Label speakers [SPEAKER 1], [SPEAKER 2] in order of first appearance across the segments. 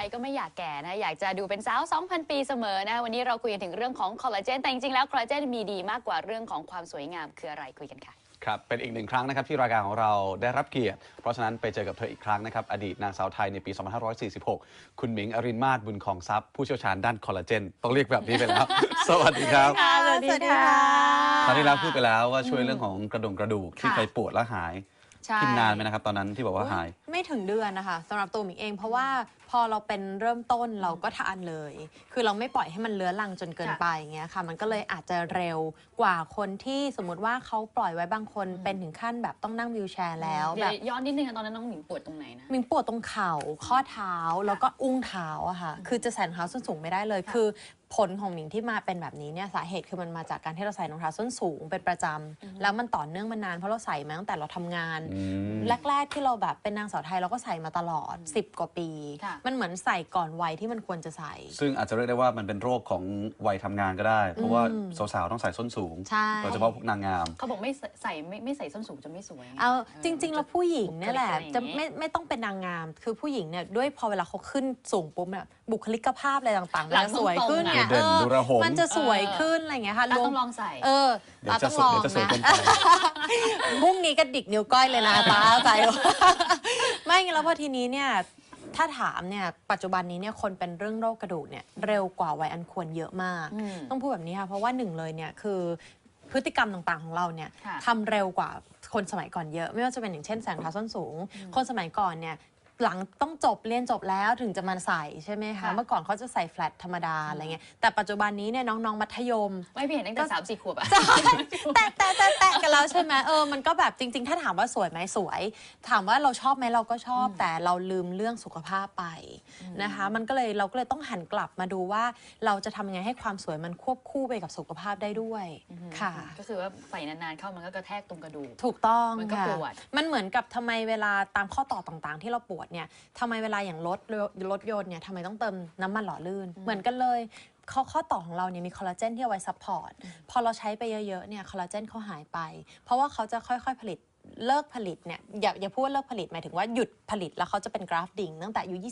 [SPEAKER 1] ก็ไม่อยากแก่นะอยากจะดูเป็นสาว 2,000 ปีเสมอนะวันนี้เราคุยกันถึงเรื่องของคอลลาเจนแต่จริงๆแล้วคอลลาเจนมีดีมากกว่าเรื่องของความสวยงามคืออะไรคุยกันค่ะ
[SPEAKER 2] ครับเป็นอีกหนึ่งครั้งนะครับที่รายการของเราได้รับเกียรติเพราะฉะนั้นไปเจอกับเธออีกครั้งนะครับอดีตนางสาวไทยในปี 2546 คุณหมิงอรินมาศบุญของทรัพย์ผู้เชี่ยวชาญด้านคอลลาเจนต้องเรียกแบบนี้ไปแล้ว สวัสดีครับ
[SPEAKER 1] สวัสดีค่ะ
[SPEAKER 2] ตอนที่แล้วพูดไปแล้วว่าช่วยเรื่องของกระดูกที่เคยปวดแล้วหายกินนานไหมนะครับตอนนั้นที่บอกว่าหาย
[SPEAKER 3] ไม่ถึงเดือนนะคะสำหรับตัวหมิงเองเพราะว่าพอเราเป็นเริ่มต้นเราก็ทานเลยคือเราไม่ปล่อยให้มันเลื้อรังจนเกินไปอย่างเงี้ยค่ะมันก็เลยอาจจะเร็วกว่าคนที่สมมติว่าเขาปล่อยไว้บางคนเป็นถึงขั้นแบบต้องนั่งวีลแชร์แล้วแบบ
[SPEAKER 1] ย้อนนิดนึงตอนนั้นน้องหมิงปวดตรงไหนนะ
[SPEAKER 3] หมิงปวดตรงเข่าข้อเท้าแล้วก็อุ้งเท้าอะค่ะคือจะใส่รองเท้าส้นสูงไม่ได้เลยคือผลของหมิงที่มาเป็นแบบนี้เนี่ยสาเหตุคือมันมาจากการที่เราใส่รองเท้าส้นสูงเป็นประจำแล้วมันต่อเนื่องมานานเพราะเราใส่มาตั้งแต่เราทำงานแรกๆที่เราแบบเป็นนางสาวไทยเราก็ใส่มาตลอด10 กว่าปีมันเหมือนใส่ก่อนวัยที่มันควรจะใส่
[SPEAKER 2] ซึ่งอาจจะเรียกได้ว่ามันเป็นโรคของวัยทำงานก็ได้เพราะว่าสาวๆต้องใส่ส้นสูงโดยเฉพาะพวกนางงาม
[SPEAKER 1] เขาบอกไม่ใส่ส้นสูงจะไม่สวย
[SPEAKER 3] เอาจริงๆแล้วผู้หญิงเนี่ยแหละจะไม่ต้องเป็นนางงามคือผู้หญิงเนี่ยด้วยพอเวลาเขาขึ้นสูงปุ๊บเนี่ยบุคลิกภาพอะไรต่างๆมันสวยขึ้นเนี่ยมันจะสวยขึ้นอะไรอย่างเงี้ยค่ะ
[SPEAKER 1] ต้องลองใส่
[SPEAKER 2] เดี๋ยวต้องลองนะ
[SPEAKER 3] พรุ่งนี้ก็ดิกนิ้วก้อยเลยนะตาใจไม่งั้นแล้วพอทีนี้เนี่ยถ้าถามเนี่ยปัจจุบันนี้เนี่ยคนเป็นเรื่องโรคกระดูกเนี่ยเร็วกว่าวัยอันควรเยอะมากต้องพูดแบบนี้ค่ะเพราะว่าหนึ่งเลยเนี่ยคือพฤติกรรมต่างๆของเราเนี่ยทำเร็วกว่าคนสมัยก่อนเยอะไม่ว่าจะเป็นอย่างเช่นใส่รองเท้าส้นสูงคนสมัยก่อนเนี่ยหลังต้องเรียนจบแล้วถึงจะมาใส่ใช่ไหมคะเมื่อก่อนเขาจะใส่แฟลตธรรมดาอะไรเงี้ยแต่ปัจจุบันนี้เนี่ยน้องๆมัธยม
[SPEAKER 1] ไม่เห็นตั้งแต่3-4 ขวบอะ
[SPEAKER 3] แต่กันแล้วใช่ไหมมันก็แบบจริงๆถ้าถามว่าสวยไหมสวยถามว่าเราชอบไหมเราก็ชอบแต่เราลืมเรื่องสุขภาพไปนะคะเราก็เลยต้องหันกลับมาดูว่าเราจะทำยังไงให้ความสวยมันควบคู่ไปกับสุขภาพได้ด้วยค่ะ
[SPEAKER 1] ก็คือว่าใส่นานๆเข้ามันก็กระแทกตรงกระดูก
[SPEAKER 3] ถูกต้อง
[SPEAKER 1] มันก็ปวด
[SPEAKER 3] มันเหมือนกับทำไมเวลาตามข้อต่อต่างๆที่เราปวดเนี่ยทำไมเวลาอย่างรถยนต์เนี่ยทำไมต้องเติมน้ำมันหล่อลื่นเหมือนกันเลยข้อต่อของเราเนี่ยมีคอลลาเจนที่เอาไว้ซัพพอร์ตพอเราใช้ไปเยอะๆเนี่ยคอลลาเจนเขาหายไปเพราะว่าเขาจะค่อยๆผลิตเลิกผลิตเนี่ยอย่าพูดว่าเลิกผลิตหมายถึงว่าหยุดผลิตแล้วเขาจะเป็นกราฟดิ่งตั้งแต่อายุ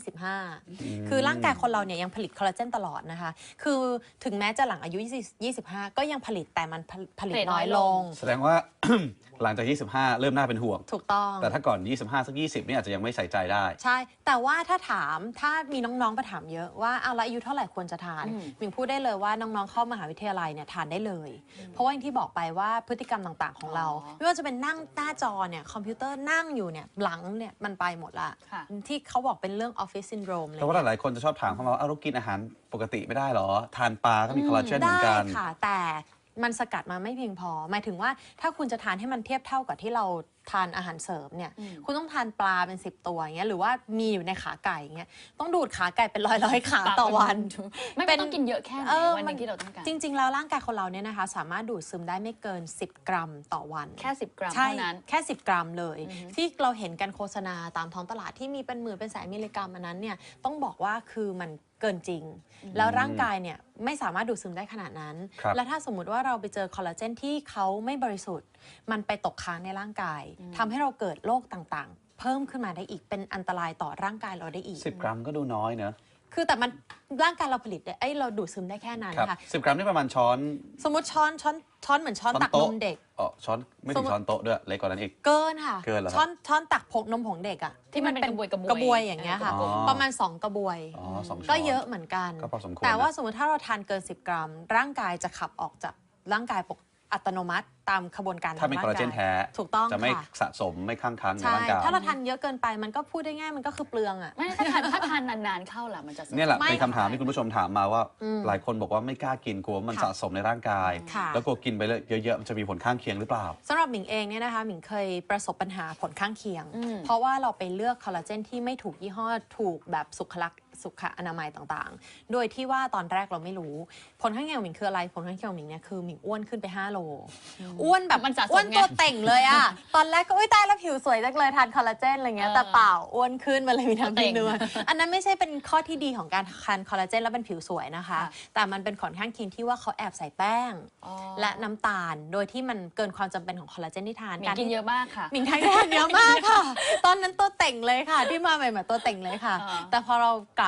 [SPEAKER 3] 25คือร่างกายคนเราเนี่ยยังผลิตคอลลาเจนตลอดนะคะคือถึงแม้จะหลังอายุ25ก็ยังผลิตแต่มันผลิตน้อยลง
[SPEAKER 2] แสดงว่า หลังจาก25เริ่มน่าเป็นห่วง
[SPEAKER 3] ถูกต้อง
[SPEAKER 2] แต่ถ้าก่อน25สัก20นี่อาจจะยังไม่ใส่ใจได้
[SPEAKER 3] ใช่แต่ว่าถ้ามีน้องๆมาถามเยอะว่าแล้วอายุเท่าไหร่ควรจะทานมิงพูดได้เลยว่าน้องๆเข้ามหาวิทยาลัยเนี่ยทานได้เลยเพราะว่าอย่างที่บอกไปว่าพฤติกรรมต่างๆของเราไม่ว่าจะเป็นนั่งหน้าจอเนี่ยคอมพิวเตอร์นั่งอยู่เนี่ยหลังเนี่ยมันไปหมดละที่เขาบอกเป็นเรื่องออฟฟิศซินโดรมเลย
[SPEAKER 2] แต่ว่าหลายๆคนจะชอบถามเขาว่าเรากินอาหารปกติไม่ได้หรอทานปลาก็มีคอลลาเจนเหมือนกัน
[SPEAKER 3] ได้ค่ะแต่มันสกัดมาไม่เพียงพอหมายถึงว่าถ้าคุณจะทานให้มันเทียบเท่ากับที่เราทานอาหารเสริมเนี่ยคุณต้องทานปลาเป็น10 ตัวอย่างเงี้ยหรือว่ามีอยู่ในขาไก่อย่างเงี้ยต้องดูดขาไก่เป็นร้อยขาต่อวัน
[SPEAKER 1] ไม่ต้องกินเยอะแค่ไหนวันนึงที่เราต้องการ
[SPEAKER 3] จริงๆแล้วร่างกายคนเราเนี่ยนะคะสามารถดูดซึมได้ไม่เกิน10 กรัมต่อวัน
[SPEAKER 1] แค่10 กรัมเท่านั้น
[SPEAKER 3] แค่10 กรัมเลยที่เราเห็นกันโฆษณาตามท้องตลาดที่มีเป็นหมื่นเป็นแสนมิลลิกรัมอันนั้นเนี่ยต้องบอกว่าคือมันเกินจริงแล้วร่างกายเนี่ยไม่สามารถดูดซึมได้ขนาดนั้นและถ้าสมมุติว่าเราไปเจอคอลลาเจนที่เขาไม่บริสุทธิ์มันไปตกค้างในร่างกายทำให้เราเกิดโรคต่างๆเพิ่มขึ้นมาได้อีกเป็นอันตรายต่อร่างกายเราได้อีก
[SPEAKER 2] 10 กรัมก็ดูน้อยเนอะ
[SPEAKER 3] คือแต่มันร่างกายเราผลิตได้เราดูดซึมได้แค่นั้นค่ะ
[SPEAKER 2] 10 กรัมนี่ประมาณช้อน
[SPEAKER 3] สมมติช้อนเหมือนช้อนตักนมเด็ก
[SPEAKER 2] ช้อนไม่ถึงช้อนโต๊ะด้วยเล็กกว่านั้นอีก
[SPEAKER 3] เกินค่ะ
[SPEAKER 2] เกินเหรอ
[SPEAKER 3] ช้อนตักผงนมผงเด็กอ่ะที่มันเป็นกระบวยอย่างเงี้ยค่ะประมาณ2 กระบวยก็เยอะเหมือนกันแต่ว่าสมมติถ้าเราทานเกิน10 กรัมร่างกายจะขับออกจากร่างกายอัตโนมัติตามขบวนการ
[SPEAKER 2] ถ้ามีคอลลาเจนแท้
[SPEAKER 3] ถูกต้อง
[SPEAKER 2] จะไม่สะสมไม่ค้างในร่างกาย
[SPEAKER 3] ถ้าเราทานเยอะเกินไปมันก็พูดได้ง่ายมันก็คือเปลืองอ่ะ
[SPEAKER 1] ไม่ถ้าทานนานๆเข้าล่ะมันจะ
[SPEAKER 2] เนี่ยแหละเป็นคำถามที่คุณผู้ชมถามมาว่าหลายคนบอกว่าไม่กล้ากินกลัวมันสะสมในร่างกายแล้วกลัวกินไปเยอะๆมันจะมีผลข้างเคียงหรือเปล่า
[SPEAKER 3] สำหรับหมิงเองเนี่ยนะคะหมิงเคยประสบปัญหาผลข้างเคียงเพราะว่าเราไปเลือกคอลลาเจนที่ไม่ถูกยี่ห้อถูกแบบสุขอนามัยต่างๆโดยที่ว่าตอนแรกเราไม่รู้ผลข้างเคียงของหมิงคืออะไรผลข้างเคียงของหมิงเนี่ยคือหมิงอ้วนขึ้นไป5 โลอ้วนแบบอ้วนตัวเต่งเลยอะตอนแรกก็ตายแล้วผิวสวยจังเลยทานคอลลาเจนอะไรเงี้ยแต่เปล่าอ้วนขึ้นมาเลยมีทั้งเนื้ออันนั้นไม่ใช่เป็นข้อที่ดีของการทานคอลลาเจนแล้วเป็นผิวสวยนะคะแต่มันเป็นผลข้างเคียงที่ว่าเขาแอบใส่แป้งและน้ำตาลโดยที่มันเกินความจำเป็นของคอลลาเจนที่ทาน
[SPEAKER 1] การกินเยอะมากค่ะ
[SPEAKER 3] หมิงทานเยอะมากค่ะตอนนั้นตัวเต่งเลยค่ะที่มาใหม่ๆตัวเต่งเลยค่ะแต่พอเรากลับ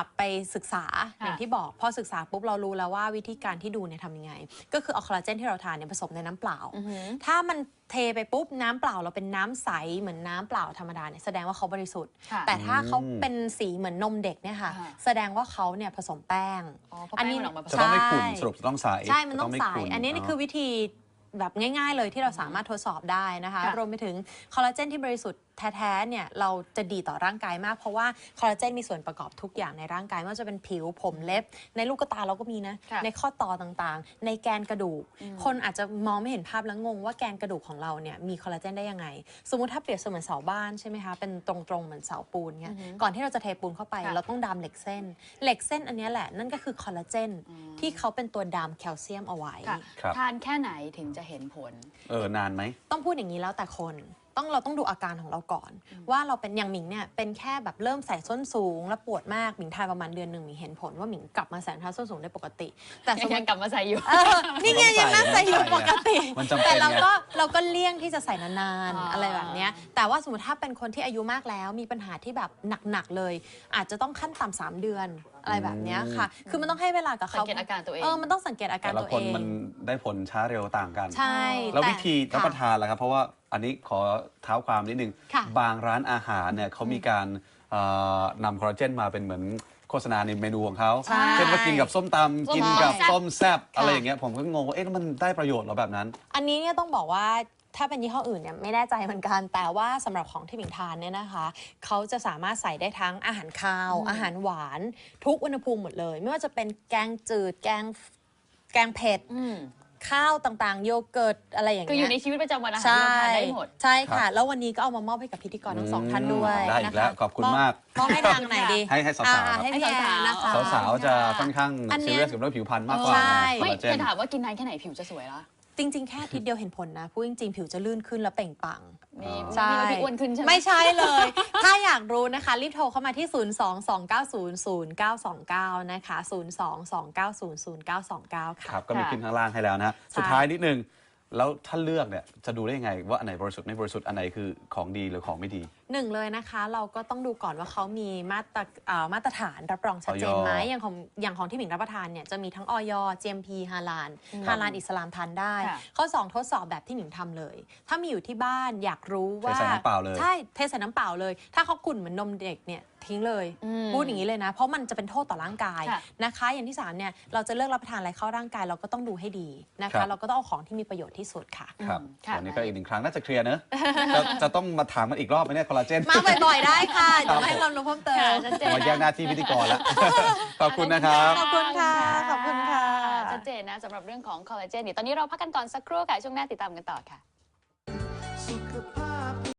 [SPEAKER 3] ไปศึกษาอย่างที่บอกพอศึกษาปุ๊บเรารู้แล้วว่าวิธีการที่ดูเนี่ยทำยังไงก็คือเอาคอลลาเจนที่เราทานเนี่ยผสมในน้ำเปล่าถ้ามันเทไปปุ๊บน้ำเปล่าเราเป็นน้ำใสเหมือนน้ำเปล่าธรรมดาเนี่ยแสดงว่าเขาบริสุทธิ์แต่ถ้าเขาเป็นสีเหมือนนมเด็กเนี่ยค่ะแสดงว่าเขาเนี่ยผสมแป้ง
[SPEAKER 1] อันนี้
[SPEAKER 2] จะต้องไม่ขุ่นสรุปจะต้องใส
[SPEAKER 3] ใช่มันต้องใสอันนี้นี่คือวิธีแบบง่ายๆเลยที่เราสามารถทดสอบได้นะคะรวมไปถึงคอลลาเจนที่บริสุทธิ์แท้ๆเนี่ยเราจะดีต่อร่างกายมากเพราะว่าคอลลาเจนมีส่วนประกอบทุกอย่างในร่างกายไม่ว่าจะเป็นผิวผมเล็บในลูกตาเราก็มีนะในข้อต่อต่างๆในแกนกระดูกคนอาจจะมองไม่เห็นภาพแล้วงงว่าแกนกระดูกของเราเนี่ยมีคอลลาเจนได้ยังไงสมมุติถ้าเปรียบเสมือนเสาบ้านใช่ไหมคะเป็นตรงๆเหมือนเสาปูนเงี้ยก่อนที่เราจะเทปูนเข้าไปเราต้องดามเหล็กเส้นอันนี้แหละนั่นก็คือคอลลาเจนที่เขาเป็นตัวดามแคลเซียมเอาไว้
[SPEAKER 1] ทานแค่ไหนถึงจะเห็นผล
[SPEAKER 2] นานไหม
[SPEAKER 3] ต้องพูดอย่างนี้แล้วแต่คนเราต้องดูอาการของเราก่อนว่าเราเป็นอย่างหมิงเนี่ยเป็นแค่แบบเริ่มใส่ส้นสูงแล้วปวดมากหมิงทานประมาณเดือนหนึ่งหมิงเห็นผลว่าหมิงกลับมาใส่รองเท้าส้นสูงได้ปกติแต่
[SPEAKER 1] ยังกลับมาใส่อยู่
[SPEAKER 3] นี่ไงยังนั่งใส่อยู่ปกติแต่เราก็เลี่ยงที่จะใส่นานๆอะไรแบบนี้แต่ว่าสมมติถ้าเป็นคนที่อายุมากแล้วมีปัญหาที่แบบหนักๆเลยอาจจะต้องขั้นต่ำ3 เดือนอะไรแบบนี้ค่ะคือมันต้องให้เวลากับเขา
[SPEAKER 1] สังเกตอาการตัวเอง
[SPEAKER 3] มันต้องสังเกตอาการตัวเอง
[SPEAKER 2] แต่ละคนมันได้ผลช้าเร็วต่างกัน
[SPEAKER 3] ใช่
[SPEAKER 2] แล้ววิธีรับประทานล่ะครับเพราะว่าอันนี้ขอเท้าความนิดนึงบางร้านอาหารเนี่ยเขามีการนำคอลลาเจนมาเป็นเหมือนโฆษณาในเมนูของเขาเช่นว่ากินกับส้มตำกินกับส้มแซ่บอะไรอย่างเงี้ยผมก็งงว่ามันได้ประโยชน์หรอแบบนั้น
[SPEAKER 3] อันนี้เนี่ยต้องบอกว่าถ้าเป็นยี่ห้ออื่นเนี่ยไม่แน่ใจเหมือนกันแต่ว่าสำหรับของที่หมิงทานเนี่ยนะคะเขาจะสามารถใส่ได้ทั้งอาหารคาวอาหารหวานทุกอุณหภูมิหมดเลยไม่ว่าจะเป็นแกงจืดแกงเผ็ดข้าวต่างๆโยเกิร์ตอะไรอย่างเงี้ย
[SPEAKER 1] คืออยู่ในชีวิตประจำวันอาหารเราทานได้หมด
[SPEAKER 3] ใช่ค่ะแล้ววันนี้ก็เอามามอบให้กับพิธีกรทั้ง2 ท่านด้วย
[SPEAKER 2] ได้อีกแล้วขอบคุณมาก
[SPEAKER 3] มอบให้ทางไหนดี
[SPEAKER 2] ให้สาวๆ
[SPEAKER 3] ให้พี่แอนนะคะ
[SPEAKER 2] สาวๆจะค่อนข้างซีเรียสกับเรื่องผิวพรรณมากกว่า
[SPEAKER 1] ไม่จะถามว่ากินนานแค่ไหนผิวจะสวยล่ะ
[SPEAKER 3] จริงๆแค่อาทิตย์เดียวเห็นผลนะพูดจริงๆผิวจะลื่นขึ้นแล้วเปล่งปลั่ง
[SPEAKER 1] ใช่ไม่อ้วนขึ้นใช่ไหม
[SPEAKER 3] ไม่ใช่เลยถ้าอยากรู้นะคะรีบโทรเข้ามาที่ 022900929 นะคะ 022900929 ค่ะ
[SPEAKER 2] ครับก็มีขึ้นข้างล่างให้แล้วนะสุดท้ายนิดนึงแล้วถ้าเลือกเนี่ยจะดูได้ยังไงว่าอันไหนบริสุทธิ์ไม่บริสุทธิ์อันไหนคือของดีหรือของไม่ดี
[SPEAKER 3] เลยนะคะเราก็ต้องดูก่อนว่าเขามีมาตรฐานรับรองชัดเจนไหมอย่างของที่หมิงรับประทานเนี่ยจะมีทั้งอย GMP ฮาลาลอิสลามทานได้ข้อ2ทดสอบแบบที่หมิงทำเลยถ้ามีอยู่ที่บ้านอยากรู้ว่า
[SPEAKER 2] เทใส่น้ำเปล่าเลย
[SPEAKER 3] ใช่เทใส่น้ำเปล่าเลยถ้าเขาขุ่นเหมือนนมเด็กเนี่ยทิ้งเลยพูดอย่างนี้เลยนะเพราะมันจะเป็นโทษต่อร่างกายนะคะอย่างที่3เนี่ยเราจะเลือกรับประทานอะไรเข้าร่างกายเราก็ต้องดูให้ดีนะคะเราก็ต้องเอาของที่มีประโยชน์ที่สุดค่ะ
[SPEAKER 2] ครับวันนี้ก็อีก1 ครั้งน่าจะเคลียร์เนอะจะต้องมาถามกันอีกรอบไหมเนี่ยคอลลาเจน
[SPEAKER 3] มาบ่อยๆได้ค่ะเดี๋ยวให้ความรู้เพิ่มเติม
[SPEAKER 2] มาแยกหน้าที่พิธีกรแล้วขอบคุณนะครับ
[SPEAKER 3] ขอบคุณค่ะขอบคุณค่ะ
[SPEAKER 1] ชัดเจนนะสำหรับเรื่องของคอลลาเจนเดี๋ยวตอนนี้เราพักกันก่อนสักครู่ค่ะช่วงหน้าติดตามกันต่อค่ะ